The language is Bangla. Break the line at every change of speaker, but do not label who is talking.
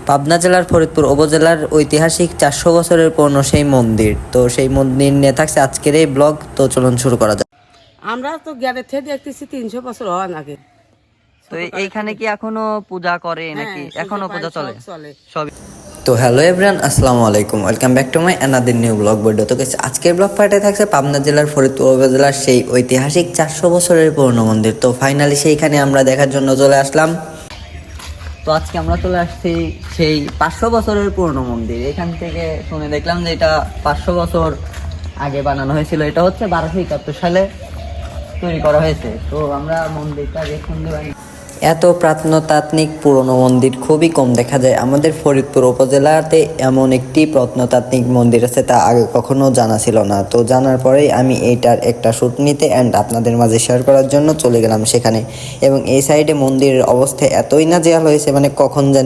পাবনা জেলার ফরিদপুর উপজেলার ঐতিহাসিক 400 বছরের পুরনো সেই মন্দির। তো সেই মন্দির নিয়ে থাকছে আজকের এই ব্লগ। তো চলুন শুরু করা যাক।
আমরা তো গ্যারের থেকে দেখতেছি 300 বছর হওয়ার আগে।
তো এইখানে কি এখনো পূজা করে নাকি এখনো পূজা চলে? সব।
তো হ্যালো এভরিওয়ান, আসসালামু আলাইকুম, welcome back to my another new vlog video. তো guys, আজকের ব্লগ পার্টে থাকছে পাবনা জেলার ফরিদপুর উপজেলার সেই ঐতিহাসিক 400 বছরের পুরনো মন্দির। তো ফাইনালি সেইখানে আমরা দেখার জন্য চলে আসলাম।
তো আজকে আমরা চলে আসছি সেই 500 বছরের পুরনো মন্দির। এখান থেকে শুনে দেখলাম যে এটা 500 বছর আগে বানানো হয়েছিল। এটা হচ্ছে 1271 সালে তৈরি করা হয়েছে। তো আমরা মন্দিরটা দেখুন।
এত প্রত্নতাত্ত্বিক পুরনো মন্দির খুবই কম দেখা যায়। আমাদের ফরিদপুর উপজেলাতে এমন একটি প্রত্নতাত্ত্বিক মন্দির আছে, তা আগে কখনো জানা ছিল না। তো জানার পরেই আমি এইটার একটা শ্যুট নিতে অ্যান্ড আপনাদের মাঝে শেয়ার করার জন্য চলে গেলাম সেখানে। এবং এই সাইডে মন্দিরের অবস্থা এতই নাজেহাল হয়েছে, মানে কখন জানি